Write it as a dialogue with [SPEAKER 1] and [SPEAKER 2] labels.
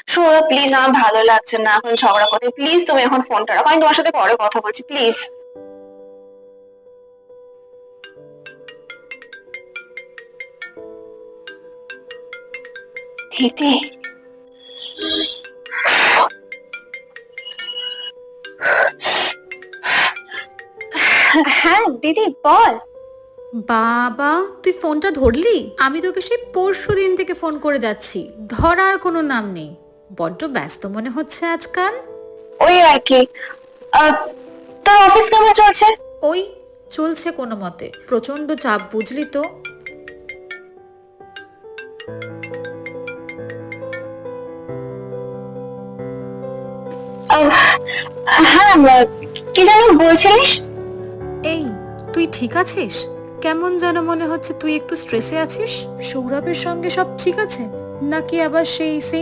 [SPEAKER 1] Sourav please, আমার ভালো লাগছে না এখন ঝগড়া করতে, প্লিজ তুমি এখন ফোনটা রাখো, আমি তোমার সাথে পরে কথা বলছি প্লিজ। দিদি, হ্যাঁ দিদি বল।
[SPEAKER 2] বাবা, তুই ফোনটা ধরলি? আমি তোকে সেই পরশুদিন থেকে ফোন করে যাচ্ছি, ধরার কোনো নাম নেই। বড্ড ব্যস্ত মনে হচ্ছে আজকাল।
[SPEAKER 1] ওই আর কি। আহ, তোর অফিস কেমন চলছে?
[SPEAKER 2] ওই চলছে কোনো মতে, প্রচন্ড চাপ বুঝলি তো।
[SPEAKER 1] আহ, হ্যাঁ, কি যেন বলছিলিস?
[SPEAKER 2] এই, তুই ঠিক আছিস? কেমন যেন মনে হচ্ছে তুই একটু স্ট্রেসে আছিস। সৌরভের সঙ্গে সব ঠিক আছে নাকি আবার সেই